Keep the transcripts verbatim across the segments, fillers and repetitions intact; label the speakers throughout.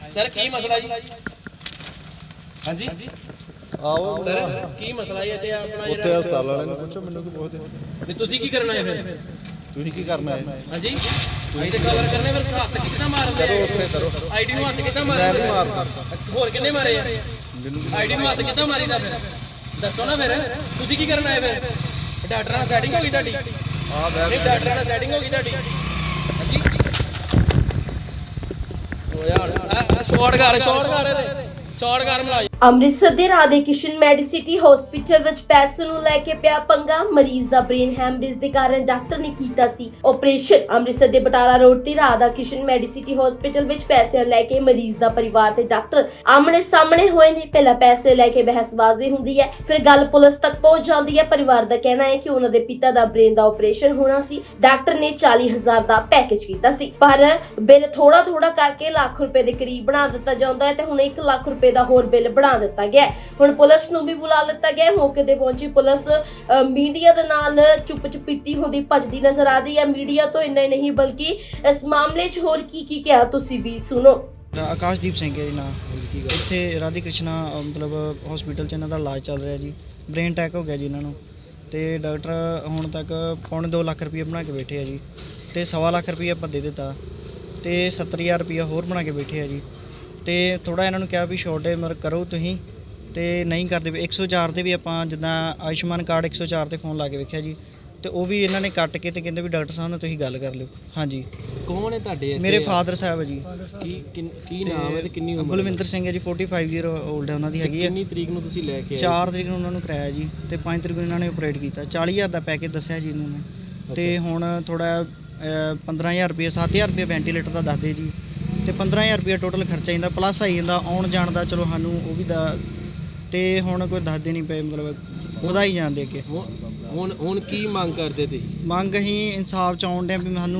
Speaker 1: Sir की मसला जी? हाँ जी
Speaker 2: आओ
Speaker 1: सर की मसला है ते अपना
Speaker 2: ਉੱਥੇ ਹਸਪਤਾਲ ਵਾਲਿਆਂ ਨੂੰ ਪੁੱਛੋ ਮੈਨੂੰ ਕੀ ਪੁੱਛਦੇ
Speaker 1: नहीं तुसी की करना है फिर?
Speaker 2: ਤੁਸੀਂ ਕੀ ਕਰਨਾ ਹੈ
Speaker 1: हाँ जी अभी तो कवर करने फिर हाथ कितना मारदे
Speaker 2: ਕਰੋ ਉੱਥੇ ਕਰੋ
Speaker 1: आईडी ਨੂੰ ਹੱਥ ਕਿੱਦਾਂ
Speaker 2: ਮੈਂ
Speaker 1: ਮਾਰਦੇ
Speaker 2: ਨਹੀਂ ਮਾਰਦਾ
Speaker 1: ਹੋਰ ਕਿੰਨੇ ਮਾਰੇ ਆ
Speaker 2: ਮੈਨੂੰ
Speaker 1: ਆਈਡੀ ਨੂੰ ਹੱਥ ਕਿੱਦਾਂ ਮਾਰੀਦਾ ਫਿਰ ਦੱਸੋ ਨਾ ਫਿਰ ਤੁਸੀਂ ਕੀ ਕਰਨਾ ਹੈ ਫਿਰ ਡਾਕਟਰਾਂ ਨਾਲ ਸੈਟਿੰਗ ਹੋ ਗਈ ਤੁਹਾਡੀ
Speaker 2: ਆ ਬੈਗ
Speaker 1: ਨਹੀਂ ਡਾਕਟਰਾਂ ਨਾਲ ਸੈਟਿੰਗ ਹੋ ਗਈ ਤੁਹਾਡੀ ਹਾਂਜੀ ਓ ਯਾਰ ਆ ਸ਼ਾਰਟ ਕਰ ਸ਼ਾਰਟ ਕਰ ਸ਼ਾਰਟ ਕਰ ਮਲਾਜ
Speaker 3: ਅੰਮ੍ਰਿਤਸਰ ਦੇ ਰਾਧੇ ਕਿਸ਼ਨ ਮੈਡੀਸਿਟੀ ਹਸਪੀਟਲ ਵਿੱਚ ਪੈਸੇ ਨੂੰ ਲੈ ਕੇ ਪਿਆ ਪੰਗਾ। ਮਰੀਜ਼ ਦਾ ਬ੍ਰੇਨ ਹੈਮਰੇਜ ਦੇ ਕਾਰਨ ਡਾਕਟਰ ਨੇ ਕੀਤਾ ਸੀ ਆਪਰੇਸ਼ਨ। ਅੰਮ੍ਰਿਤਸਰ ਦੇ ਬਟਾਲਾ ਰੋਡ ਤੇ ਰਾਧਾ ਕਿਸ਼ਨ ਮੈਡੀਸਿਟੀ ਹਸਪੀਟਲ ਵਿੱਚ ਪੈਸੇ ਲੈ ਕੇ ਮਰੀਜ਼ ਦਾ ਪਰਿਵਾਰ ਤੇ ਡਾਕਟਰ ਆਮਣੇ ਸਾਹਮਣੇ ਹੋਏ ਨੇ। ਪਹਿਲਾਂ ਪੈਸੇ ਲੈ ਕੇ ਬਹਿਸਬਾਜ਼ੀ ਹੁੰਦੀ ਹੈ, ਫਿਰ ਗੱਲ ਪੁਲਿਸ ਤੱਕ ਪਹੁੰਚ ਜਾਂਦੀ ਹੈ। ਪਰਿਵਾਰ ਦਾ ਕਹਿਣਾ ਹੈ ਕਿ ਉਹਨਾਂ ਦੇ ਪਿਤਾ ਦਾ ਬ੍ਰੇਨ ਦਾ ਆਪਰੇਸ਼ਨ ਹੋਣਾ ਸੀ। ਡਾਕਟਰ ਨੇ ਚਾਲੀ ਹਜ਼ਾਰ ਦਾ ਪੈਕੇਜ ਕੀਤਾ ਸੀ, ਪਰ ਬਿੱਲ ਥੋੜਾ ਥੋੜਾ ਕਰਕੇ ਲੱਖ ਰੁਪਏ ਦੇ ਕਰੀਬ ਬਣਾ ਦਿੱਤਾ ਜਾਂਦਾ ਹੈ ਤੇ ਹੁਣ ਇੱਕ ਲੱਖ ਰੁਪਏ ਦਾ ਹੋਰ ਬਿੱਲ ਬਣਾ ਦਿੱਤਾ ਗਿਆ। ਹੁਣ ਪੁਲਿਸ ਨੂੰ ਵੀ ਬੁਲਾ ਲਿੱਤਾ ਗਿਆ। ਮੌਕੇ ਤੇ ਪਹੁੰਚੀ ਪੁਲਿਸ ਮੀਡੀਆ ਦੇ ਨਾਲ ਚੁੱਪ ਚੁਪੀਤੀ ਹੁੰਦੀ ਭੱਜਦੀ ਨਜ਼ਰ ਆ ਰਹੀ ਹੈ। ਮੀਡੀਆ ਤੋਂ ਇੰਨਾ ਹੀ ਨਹੀਂ ਬਲਕਿ ਇਸ ਮਾਮਲੇ 'ਚ ਹੋਰ ਕੀ ਕੀ ਕਿਹਾ ਤੁਸੀਂ ਵੀ ਸੁਣੋ।
Speaker 4: ਆਕਾਸ਼ਦੀਪ ਸਿੰਘ ਹੈ ਜੀ ਨਾਂ। ਇੱਥੇ ਰਾਧੇ ਕ੍ਰਿਸ਼ਨਾ ਮਤਲਬ ਹਸਪੀਟਲ 'ਚ ਇਹਨਾਂ ਦਾ ਇਲਾਜ ਚੱਲ ਰਿਹਾ ਜੀ। ਬ੍ਰੇਨ ਅਟੈਕ ਹੋ ਗਿਆ ਜੀ ਇਹਨਾਂ ਨੂੰ ਤੇ ਡਾਕਟਰ ਹੁਣ ਤੱਕ ਪੌਣੇ ਦੋ ਲੱਖ ਰੁਪਏ ਬਣਾ ਕੇ ਬੈਠੇ ਆ ਜੀ ਤੇ ਸਵਾ ਲੱਖ ਰੁਪਏ ਆਪਾਂ ਦੇ ਦਿੱਤਾ ਤੇ ਸੱਤਰ ਹਜ਼ਾਰ ਰੁਪਏ ਹੋਰ ਬਣਾ ਕੇ ਬੈਠੇ ਆ ਜੀ ਤੇ ਥੋੜਾ ਇਹਨਾਂ ਨੂੰ ਕਿਹਾ ਵੀ ਛੋਟੇ ਮਰ ਕਰੋ ਤੁਸੀਂ ਤੇ ਨਹੀਂ ਕਰਦੇ ਵੀ ਇੱਕ ਸੌ ਚਾਰ ਤੇ ਵੀ ਆਪਾਂ ਜਿੱਦਾਂ ਆਯੁਸ਼ਮਾਨ ਕਾਰਡ ਇੱਕ ਸੌ ਚਾਰ ਤੇ ਫੋਨ ਲਾ ਕੇ ਵੇਖਿਆ ਜੀ ਤੇ ਉਹ ਵੀ ਇਹਨਾਂ ਨੇ ਕੱਟ ਕੇ ਤੇ ਕਹਿੰਦੇ ਵੀ ਡਾਕਟਰ ਸਾਹਿਬ ਨਾਲ ਤੁਸੀਂ ਗੱਲ ਕਰ ਲਿਓ। ਹਾਂਜੀ
Speaker 1: ਕੌਣ ਹੈ ਤੁਹਾਡੇ
Speaker 4: ਮੇਰੇ ਫਾਦਰ ਸਾਹਿਬ ਹੈ ਜੀ।
Speaker 1: ਕੀ ਕੀ ਨਾਮ ਹੈ ਤੇ ਕਿੰਨੀ ਉਮਰ?
Speaker 4: ਬਲਵਿੰਦਰ ਸਿੰਘ ਹੈ ਜੀ। ਪੈਂਤਾਲੀ ਈਅਰ 올ਡ ਹੈ ਉਹਨਾਂ ਦੀ ਹੈਗੀ ਹੈ।
Speaker 1: ਕਿੰਨੀ ਤਰੀਕ ਨੂੰ ਤੁਸੀਂ ਲੈ ਕੇ
Speaker 4: ਚਾਰ ਤਰੀਕ ਨੂੰ ਉਹਨਾਂ ਨੂੰ ਕਰਾਇਆ ਜੀ ਤੇ ਪੰਜ ਤਰੀਕ ਨੂੰ ਇਹਨਾਂ ਨੇ ਆਪਰੇਟ ਕੀਤਾ। ਚਾਲੀ ਹਜ਼ਾਰ ਦਾ ਪੈਕੇਜ ਦੱਸਿਆ ਜੀ ਇਹਨਾਂ ਨੇ ਤੇ ਹੁਣ ਥੋੜਾ ਪੰਦਰਾਂ ਹਜ਼ਾਰ ਰੁਪਏ ਸੱਤ ਹਜ਼ਾਰ ਰੁਪਏ ਵੈਂਟੀਲੇਟਰ ਦਾ ਦੱਸਦੇ ਜੀ ਤੇ ਪੰਦਰਾਂ ਹਜ਼ਾਰ ਰੁਪਏ ਟੋਟਲ ਖਰਚਾ ਜਾਂਦਾ ਪਲੱਸ ਆਈ ਜਾਂਦਾ ਆਉਣ ਜਾਣ ਦਾ। ਚਲੋ ਸਾਨੂੰ ਉਹ ਵੀ ਦਾ ਤੇ ਹੁਣ ਕੋਈ ਦੱਸਦੇ ਨਹੀਂ ਪਏ ਮਤਲਬ ਉਹਦਾ ਹੀ ਜਾਣ ਦੇ ਕੇ।
Speaker 1: ਹੁਣ ਹੁਣ ਕੀ ਮੰਗ ਕਰਦੇ ਤੁਸੀਂ?
Speaker 4: ਮੰਗ ਅਸੀਂ ਇਨਸਾਫ 'ਚ ਆਉਣ ਡਿਆ ਵੀ ਸਾਨੂੰ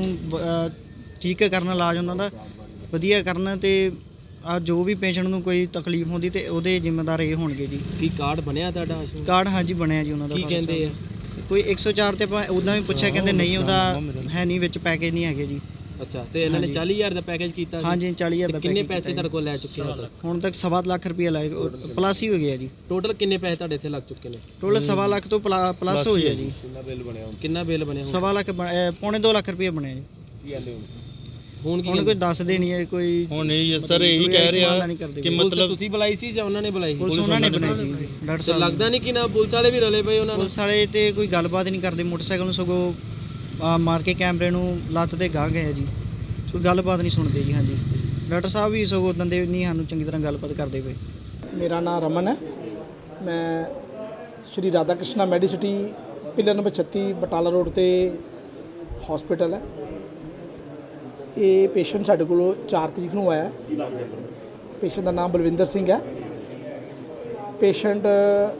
Speaker 4: ਠੀਕ ਕਰਨ ਇਲਾਜ ਉਹਨਾਂ ਦਾ ਵਧੀਆ ਕਰਨ ਤੇ ਆ ਜੋ ਵੀ ਪੇਸ਼ੈਂਟ ਨੂੰ ਕੋਈ ਤਕਲੀਫ ਹੁੰਦੀ ਤੇ ਉਹਦੇ ਜ਼ਿੰਮੇਦਾਰ ਇਹ ਹੋਣਗੇ ਜੀ।
Speaker 1: ਕੀ ਕਾਰਡ ਬਣਿਆ ਤੁਹਾਡਾ?
Speaker 4: ਕਾਰਡ ਹਾਂਜੀ ਬਣਿਆ ਜੀ ਉਹਨਾਂ ਦਾ।
Speaker 1: ਕੀ ਕਹਿੰਦੇ ਆ?
Speaker 4: ਕੋਈ ਇੱਕ ਸੌ ਚਾਰ ਤੇ ਆਪਾਂ ਉਦਾਂ ਵੀ ਪੁੱਛਿਆ ਕਹਿੰਦੇ ਨਹੀਂ ਉਹਦਾ ਹੈ ਨਹੀਂ ਵਿੱਚ ਪੈਕੇਜ ਨਹੀਂ ਹੈਗੇ ਜੀ।
Speaker 1: ਅੱਛਾ ਤੇ ਇਹਨਾਂ ਨੇ ਚਾਲੀ ਹਜ਼ਾਰ ਦਾ ਪੈਕੇਜ ਕੀਤਾ ਸੀ?
Speaker 4: ਹਾਂਜੀ ਚਾਲੀ ਹਜ਼ਾਰ ਦਾ
Speaker 1: ਕਿੰਨੇ
Speaker 4: ਪੈਕੇਜ
Speaker 1: ਪੈਸੇ ਤੁਹਾਡੇ ਕੋਲ ਲੈ ਚੁੱਕੇ ਹੋ?
Speaker 4: ਹੁਣ ਤੱਕ ਸਵਾ ਲੱਖ ਰੁਪਏ ਲਾਏ ਪਲੱਸ ਹੀ ਹੋ ਗਿਆ ਜੀ।
Speaker 1: ਟੋਟਲ ਕਿੰਨੇ ਪੈਸੇ ਤੁਹਾਡੇ ਇੱਥੇ ਲੱਗ ਚੁੱਕੇ ਨੇ?
Speaker 4: ਟੋਟਲ ਸਵਾ ਲੱਖ ਤੋਂ ਪਲੱਸ ਹੋ ਗਿਆ ਜੀ।
Speaker 1: ਕਿੰਨਾ ਬਿੱਲ ਬਣਿਆ? ਕਿੰਨਾ ਬਿੱਲ ਬਣਿਆ?
Speaker 4: ਸਵਾ ਲੱਖ ਪੌਣੇ ਦੋ ਲੱਖ ਰੁਪਏ ਬਣਿਆ ਜੀ।
Speaker 1: ਕੀ ਕਹਿੰਦੇ ਹੁਣ?
Speaker 4: ਹੁਣ ਕੋਈ ਦੱਸਦੇ ਨਹੀਂ ਹੈ ਕੋਈ।
Speaker 2: ਹੁਣ ਨਹੀਂ ਸਰ ਇਹੀ ਕਹਿ ਰਿਹਾ
Speaker 4: ਕਿ
Speaker 1: ਮਤਲਬ ਤੁਸੀਂ ਬੁਲਾਈ ਸੀ ਜਾਂ ਉਹਨਾਂ ਨੇ ਬੁਲਾਈ?
Speaker 4: ਪੁਲਿਸ ਉਹਨਾਂ ਨੇ ਬਣਾਈ ਜੀ ਡਾਕਟਰ
Speaker 1: ਤੇ
Speaker 4: ਸਾਹਿਬ।
Speaker 1: ਲੱਗਦਾ ਨਹੀਂ ਕਿ ਨਾ ਪੁਲਿਸ ਵਾਲੇ ਵੀ ਰਲੇ ਪਏ ਉਹਨਾਂ ਨਾਲ?
Speaker 4: ਪੁਲਿਸ ਵਾਲੇ ਤੇ ਕੋਈ ਗੱਲਬਾਤ ਨਹੀਂ ਕਰਦੇ। ਮੋਟਰਸਾਈਕਲ ਨੂੰ ਸਗੋਂ ਮਾਰ ਕੇ ਕੈਮਰੇ ਨੂੰ ਲੱਤ ਤੇ ਗਾਹ ਗਏ ਜੀ। ਕੋਈ ਗੱਲਬਾਤ ਨਹੀਂ ਸੁਣਦੇ ਜੀ। ਹਾਂਜੀ ਡਾਕਟਰ ਸਾਹਿਬ ਵੀ ਸਗੋਂ ਉਦੋਂ ਦੇ ਨਹੀਂ ਸਾਨੂੰ ਚੰਗੀ ਤਰ੍ਹਾਂ ਗੱਲਬਾਤ ਕਰਦੇ ਪਏ।
Speaker 5: ਮੇਰਾ ਨਾਮ ਰਮਨ ਹੈ। ਮੈਂ Shri Radha Krishna Medicity pillar number ਛੱਤੀ ਬਟਾਲਾ ਰੋਡ ਤੇ ਹਸਪੀਟਲ ਹੈ। ਇਹ ਪੇਸ਼ੈਂਟ ਸਾਡੇ ਕੋਲ ਚਾਰ ਤਰੀਕ ਨੂੰ ਆਇਆ। ਪੇਸ਼ੈਂਟ ਦਾ ਨਾਮ ਬਲਵਿੰਦਰ ਸਿੰਘ ਹੈ। ਪੇਸ਼ੈਂਟ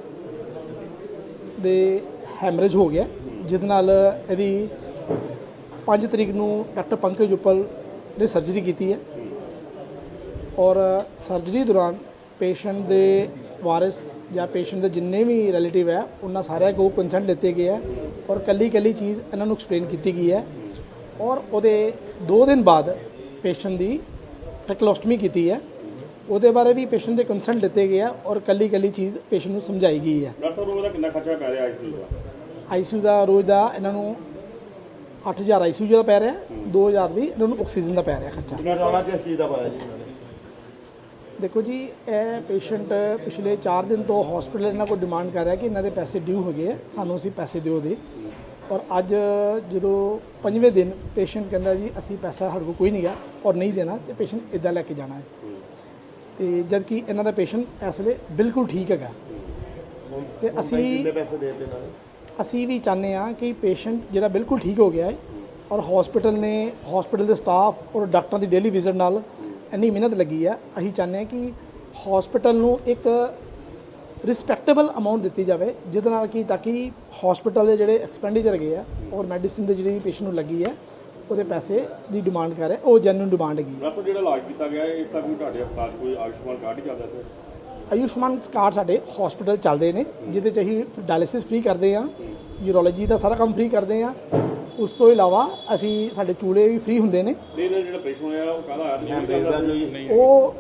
Speaker 5: ਦੇ ਹੈਮਰੇਜ ਹੋ ਗਿਆ ਜਿਹਦੇ ਨਾਲ ਇਹਦੀ ਪੰਜ ਤਰੀਕ ਨੂੰ ਡਾਕਟਰ ਪੰਕਜ ਉਪਲ ਨੇ ਸਰਜਰੀ ਕੀਤੀ ਹੈ ਔਰ ਸਰਜਰੀ ਦੌਰਾਨ ਪੇਸ਼ੈਂਟ ਦੇ ਵਾਰਿਸ ਜਾਂ ਪੇਸ਼ੈਂਟ ਦੇ ਜਿੰਨੇ ਵੀ ਰਿਲੇਟਿਵ ਹੈ ਉਹਨਾਂ ਸਾਰਿਆਂ ਕੋਲ ਕੰਸੈਂਟ ਲਿੱਤੇ ਗਏ ਹੈ ਔਰ ਕੱਲੀ ਕੱਲੀ ਚੀਜ਼ ਇਹਨਾਂ ਨੂੰ ਐਕਸਪਲੇਨ ਕੀਤੀ ਗਈ ਹੈ ਔਰ ਉਹਦੇ ਦੋ ਦਿਨ ਬਾਅਦ ਪੇਸ਼ੈਂਟ ਦੀ ਟ੍ਰੈਕਲੋਸਟਮੀ ਕੀਤੀ ਹੈ। ਉਹਦੇ ਬਾਰੇ ਵੀ ਪੇਸ਼ੈਂਟ ਦੇ ਕੰਸੈਂਟ ਲਿੱਤੇ ਗਏ ਹੈ ਔਰ ਕੱਲੀ ਕੱਲੀ ਚੀਜ਼ ਪੇਸ਼ੈਂਟ ਨੂੰ ਸਮਝਾਈ ਗਈ ਹੈ।
Speaker 6: ਡਾਕਟਰ ਰੋਜ਼ ਦਾ ਕਿੰਨਾ ਖਰਚਾ ਪੈ ਰਿਹਾ ਆਈਸੀਯੂ ਦਾ?
Speaker 5: ਆਈਸੀਯੂ ਦਾ ਰੋਜ਼ ਦਾ ਇਹਨਾਂ ਨੂੰ ਅੱਠ ਹਜ਼ਾਰ ਆਈਸੀਯੂ ਦਾ ਪੈ ਰਿਹਾ, ਦੋ ਹਜ਼ਾਰ ਦੀ ਇਹਨਾਂ ਨੂੰ ਆਕਸੀਜਨ ਦਾ ਪੈ ਰਿਹਾ ਖਰਚਾ।
Speaker 2: ਰੌਲਾ ਕਿਸ ਚੀਜ਼ ਦਾ ਪਾਇਆ ਜੀ ਇਹਨਾਂ ਨੇ?
Speaker 5: ਦੇਖੋ ਜੀ ਇਹ ਪੇਸ਼ੈਂਟ ਪਿਛਲੇ ਚਾਰ ਦਿਨ ਤੋਂ ਹਸਪੀਟਲ ਇਹਨਾਂ ਕੋਲ ਡਿਮਾਂਡ ਕਰ ਰਿਹਾ ਕਿ ਇਹਨਾਂ ਦੇ ਪੈਸੇ ਡਿਊ ਹੋ ਗਏ, ਸਾਨੂੰ ਅਸੀਂ ਪੈਸੇ ਦਿਓ ਦੇ। ਔਰ ਅੱਜ ਜਦੋਂ ਪੰਜਵੇਂ ਦਿਨ ਪੇਸ਼ੈਂਟ ਕਹਿੰਦਾ ਜੀ ਅਸੀਂ ਪੈਸਾ ਸਾਡੇ ਕੋਲ ਕੋਈ ਨਹੀਂ ਗਾ ਔਰ ਨਹੀਂ ਦੇਣਾ ਤੇ ਪੇਸ਼ੈਂਟ ਇੱਦਾਂ ਲੈ ਕੇ ਜਾਣਾ ਹੈ ਤੇ ਜਦ ਕਿ ਇਹਨਾਂ ਦਾ ਪੇਸ਼ੈਂਟ ਇਸ ਵੇਲੇ ਬਿਲਕੁਲ ਠੀਕ ਹੈਗਾ ਤੇ ਅਸੀਂ ਅਸੀਂ ਵੀ ਚਾਹੁੰਦੇ ਹਾਂ ਕਿ ਪੇਸ਼ੈਂਟ ਜਿਹੜਾ ਬਿਲਕੁਲ ਠੀਕ ਹੋ ਗਿਆ ਹੈ ਔਰ ਹਸਪੀਟਲ ਨੇ ਹਸਪੀਟਲ ਦੇ ਸਟਾਫ ਔਰ ਡਾਕਟਰਾਂ ਦੀ ਡੇਲੀ ਵਿਜ਼ਿਟ ਨਾਲ ਇੰਨੀ ਮਿਹਨਤ ਲੱਗੀ ਹੈ। ਅਸੀਂ ਚਾਹੁੰਦੇ ਹਾਂ ਕਿ ਹਸਪੀਟਲ ਨੂੰ ਇੱਕ ਰਿਸਪੈਕਟੇਬਲ ਅਮਾਊਂਟ ਦਿੱਤੀ ਜਾਵੇ ਜਿਹਦੇ ਨਾਲ ਕਿ ਤਾਂ ਕਿ ਹਸਪੀਟਲ ਦੇ ਜਿਹੜੇ ਐਕਸਪੈਂਡੀਚਰ ਹੈਗੇ ਆ ਔਰ ਮੈਡੀਸਿਨ ਦੇ ਜਿਹੜੀ ਪੇਸ਼ੈਂਟ ਨੂੰ ਲੱਗੀ ਹੈ ਉਹਦੇ ਪੈਸੇ ਦੀ ਡਿਮਾਂਡ ਕਰ ਰਿਹਾ, ਉਹ ਜੈਨੂਇਨ ਡਿਮਾਂਡ ਹੈਗੀ।
Speaker 6: ਡਾਕਟਰ ਜਿਹੜਾ ਇਲਾਜ ਕੀਤਾ ਗਿਆ ਇਸ ਦਾ ਕੋਈ ਤੁਹਾਡੇ ਹਸਪਤਾਲ ਕੋਈ ਆਯੁਸ਼ਮਾਨ ਕਾਰਡ ਹੀ ਚੱਲਦਾ ਸਰ?
Speaker 5: ਆਯੁਸ਼ਮਾਨ ਕਾਰਡ ਸਾਡੇ ਹਸਪੀਟਲ ਚੱਲਦੇ ਨੇ ਜਿਹਦੇ 'ਚ ਅਸੀਂ ਡਾਇਲਿਸਿਸ ਫ੍ਰੀ ਕਰਦੇ ਹਾਂ, ਯੂਰੋਲੋਜੀ ਦਾ ਸਾਰਾ ਕੰਮ ਫ੍ਰੀ ਕਰਦੇ ਹਾਂ। ਉਸ ਤੋਂ ਇਲਾਵਾ ਅਸੀਂ ਸਾਡੇ ਚੂਲੇ ਵੀ ਫ੍ਰੀ ਹੁੰਦੇ ਨੇ।
Speaker 6: ਨਹੀਂ ਜਿਹੜਾ ਪੇਸ਼ੈਂਟ ਹੋਇਆ ਉਹ ਕਾਹਦਾ ਆਦਮੀ
Speaker 5: ਉਹ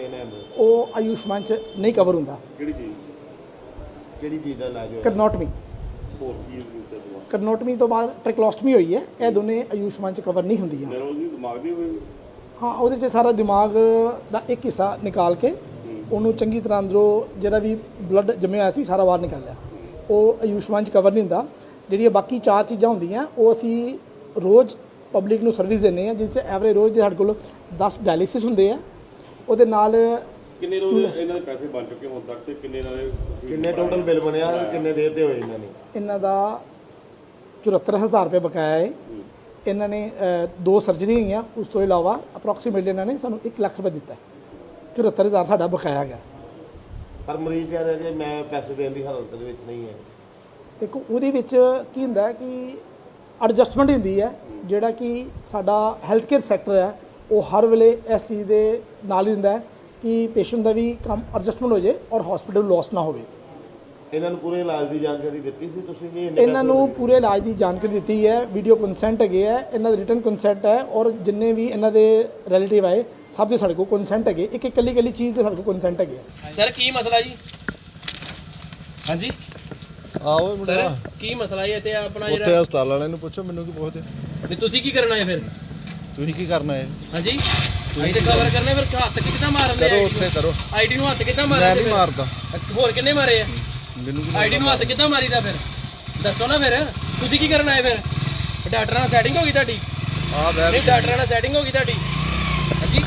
Speaker 2: ਇਹਨਾਂ ਨੂੰ
Speaker 5: ਉਹ ਆਯੁਸ਼ਮਾਨ ਚ ਨਹੀਂ ਕਵਰ ਹੁੰਦਾ।
Speaker 6: ਕਿਹੜੀ ਚੀਜ਼
Speaker 2: ਕਿਹੜੀ ਚੀਜ਼ ਦਾ ਇਲਾਜ ਹੋਇਆ?
Speaker 5: ਕਰਨੋਟਮੀ
Speaker 6: ਹੋਰ ਕੀ ਯੂਜ਼ ਕੀਤਾ ਦਵਾ
Speaker 5: ਕਰਨੋਟਮੀ ਤੋਂ ਬਾਅਦ ਟ੍ਰੈਕਲੋਸਟਮੀ ਹੋਈ ਹੈ। ਇਹ ਦੋਨੇ ਆਯੁਸ਼ਮਾਨ ਚ ਕਵਰ ਨਹੀਂ ਹੁੰਦੀਆਂ।
Speaker 6: ਨਰੋਜ਼ ਦੀ ਦਿਮਾਗ ਦੀ ਹੋਈ
Speaker 5: ਹਾਂ, ਉਹਦੇ 'ਚ ਸਾਰਾ ਦਿਮਾਗ ਦਾ ਇੱਕ ਹਿੱਸਾ ਨਿਕਾਲ ਕੇ ਉਹਨੂੰ ਚੰਗੀ ਤਰ੍ਹਾਂ ਅੰਦਰੋਂ ਜਿਹੜਾ ਵੀ ਬਲੱਡ ਜੰਮਿਆ ਹੋਇਆ ਸੀ ਸਾਰਾ ਬਾਹਰ ਨਿਕਾਲਿਆ। ਉਹ ਆਯੁਸ਼ਮਾਨ 'ਚ ਕਵਰ ਨਹੀਂ ਹੁੰਦਾ। ਜਿਹੜੀਆਂ ਬਾਕੀ ਚਾਰ ਚੀਜ਼ਾਂ ਹੁੰਦੀਆਂ ਉਹ ਅਸੀਂ ਰੋਜ਼ ਪਬਲਿਕ ਨੂੰ ਸਰਵਿਸ ਦਿੰਦੇ ਹਾਂ, ਜਿਸ 'ਚ ਐਵਰੇਜ ਰੋਜ਼ ਦੇ ਸਾਡੇ ਕੋਲ ਦਸ ਡਾਇਲਿਸਿਸ ਹੁੰਦੇ ਆ। ਉਹਦੇ ਨਾਲ
Speaker 6: ਕਿੰਨੇ ਰੋਜ਼ ਇਹਨਾਂ ਦੇ ਪੈਸੇ ਬਣ ਚੁੱਕੇ ਹੁਣ ਤੱਕ ਤੇ ਕਿੰਨੇ ਇਹਨਾਂ ਦੇ
Speaker 2: ਕਿੰਨੇ ਟੋਟਲ ਬਿੱਲ ਬਣਿਆ ਤੇ ਕਿੰਨੇ ਦੇਰ ਤੇ ਹੋਏ ਇਹਨਾਂ ਨੇ?
Speaker 5: ਇਹਨਾਂ ਦਾ ਚੁਹੱਤਰ ਹਜ਼ਾਰ ਰੁਪਏ ਬਕਾਇਆ ਹੈ। ਇਹਨਾਂ ਨੇ ਅ, ਦੋ ਸਰਜਰੀਆਂ ਹੋਈਆਂ, ਉਸ ਤੋਂ ਇਲਾਵਾ ਅਪਰੋਕਸੀਮੇਟਲੀ ਇਹਨਾਂ ਨੇ ਸਾਨੂੰ ਇੱਕ ਲੱਖ ਰੁਪਏ ਦਿੱਤਾ। ਚੁਹੱਤਰ ਹਜ਼ਾਰ ਸਾਡਾ ਬਕਾਇਆ ਗਿਆ।
Speaker 2: ਪਰ ਮਰੀਜ਼ ਕਹਿ ਰਿਹਾ ਕਿ ਮੈਂ ਪੈਸੇ ਦੇਣ ਦੀ ਹਾਲਤ ਦੇ ਵਿੱਚ ਨਹੀਂ ਹੈ।
Speaker 5: ਦੇਖੋ ਉਹਦੇ ਵਿੱਚ ਕੀ ਹੁੰਦਾ ਕਿ ਐਡਜਸਟਮੈਂਟ ਹੁੰਦੀ ਹੈ। ਜਿਹੜਾ ਕਿ ਸਾਡਾ ਹੈਲਥ ਕੇਅਰ ਸੈਕਟਰ ਹੈ ਉਹ ਹਰ ਵੇਲੇ ਇਸ ਚੀਜ਼ ਦੇ ਨਾਲ ਹੀ ਹੁੰਦਾ ਹੈ ਕਿ ਪੇਸ਼ੈਂਟ ਦਾ ਵੀ ਕੰਮ ਐਡਜਸਟਮੈਂਟ ਹੋ ਜਾਏ ਔਰ ਹਸਪੀਟਲ ਲੋਸ ਨਾ ਹੋਵੇ।
Speaker 2: ਇਹਨਾਂ ਨੂੰ ਪੂਰੇ ਇਲਾਜ ਦੀ ਜਾਣਕਾਰੀ ਦਿੱਤੀ ਸੀ ਤੁਸੀਂ ਕਿ
Speaker 5: ਇਹਨਾਂ ਨੂੰ ਪੂਰੇ ਇਲਾਜ ਦੀ ਜਾਣਕਾਰੀ ਦਿੱਤੀ ਹੈ। ਵੀਡੀਓ ਕੰਸੈਂਟ ਹੈਗੇ ਹੈ, ਇਹਨਾਂ ਦਾ ਰਿਟਨ ਕੰਸੈਂਟ ਹੈ ਔਰ ਜਿੰਨੇ ਵੀ ਇਹਨਾਂ ਦੇ ਰਿਲੇਟਿਵ ਆਏ ਸਭ ਦੇ ਸਾਡੇ ਕੋਲ ਕੰਸੈਂਟ ਹੈਗੇ। ਇੱਕ ਇੱਕ ਕੱਲੀ ਕੱਲੀ ਚੀਜ਼ ਦੇ ਸਾਡੇ ਕੋਲ ਕੰਸੈਂਟ ਹੈਗੇ।
Speaker 1: ਸਰ ਕੀ ਮਸਲਾ ਜੀ? ਹਾਂਜੀ
Speaker 2: ਆਓ
Speaker 1: ਸਰ ਕੀ ਮਸਲਾ ਹੈ ਤੇ ਆਪਣਾ
Speaker 2: ਉੱਥੇ
Speaker 1: ਜਿਹੜਾ
Speaker 2: ਹਸਪਤਾਲ ਵਾਲਿਆਂ ਨੂੰ ਪੁੱਛੋ, ਮੈਨੂੰ ਕੀ ਪੁੱਛਦੇ?
Speaker 1: ਨਹੀਂ ਤੁਸੀਂ ਕੀ ਕਰਨਾ ਹੈ ਫਿਰ?
Speaker 2: ਤੁਸੀਂ ਕੀ ਕਰਨਾ ਹੈ?
Speaker 1: ਹਾਂਜੀ ਅਸੀਂ ਤੇ ਕਵਰ ਕਰਨੇ ਫਿਰ ਹੱਥ ਕਿੱਦਾਂ ਮਾਰਦੇ
Speaker 2: ਕਰੋ ਉੱਥੇ ਕਰੋ।
Speaker 1: ਆਈਡੀ ਨੂੰ ਹੱਥ ਕਿੱਦਾਂ
Speaker 2: ਮੈਂ
Speaker 1: ਮਾਰਦੇ
Speaker 2: ਨਹੀਂ ਮਾਰਦਾ।
Speaker 1: ਹੋਰ ਕਿੰਨੇ ਮਾਰੇ ਆ?
Speaker 2: ਮੈਨੂੰ ਕੀ
Speaker 1: ਆਈਡੀ ਨੂੰ ਹੱਥ ਕਿੱਦਾਂ ਮਾਰੀਦਾ ਫਿਰ? ਦੱਸੋ ਨਾ ਫਿਰ ਤੁਸੀਂ ਕੀ ਕਰਨਾ ਹੈ ਫਿਰ? ਡਾਕਟਰਾਂ ਨਾਲ ਸੈਟਿੰਗ ਹੋ ਗਈ ਤੁਹਾਡੀ?
Speaker 2: ਆ ਬੈ
Speaker 1: ਨਹੀਂ ਡਾਕਟਰਾਂ ਨਾਲ ਸੈਟਿੰਗ ਹੋ ਗਈ ਤੁਹਾਡੀ? ਹਾਂਜੀ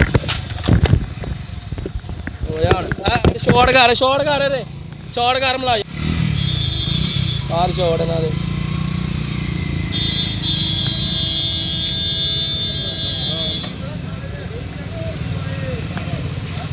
Speaker 1: ਓ ਯਾਰ ਆ ਸ਼ਾਰਟ ਕਰ ਸ਼ਾਰਟ ਕਰ ਰੇ ਸ਼ਾਰਟ ਕਰ ਮਲਾ ਯਾਰ ਸ਼ਾਰਟ ਇਹਨਾਂ ਦੇ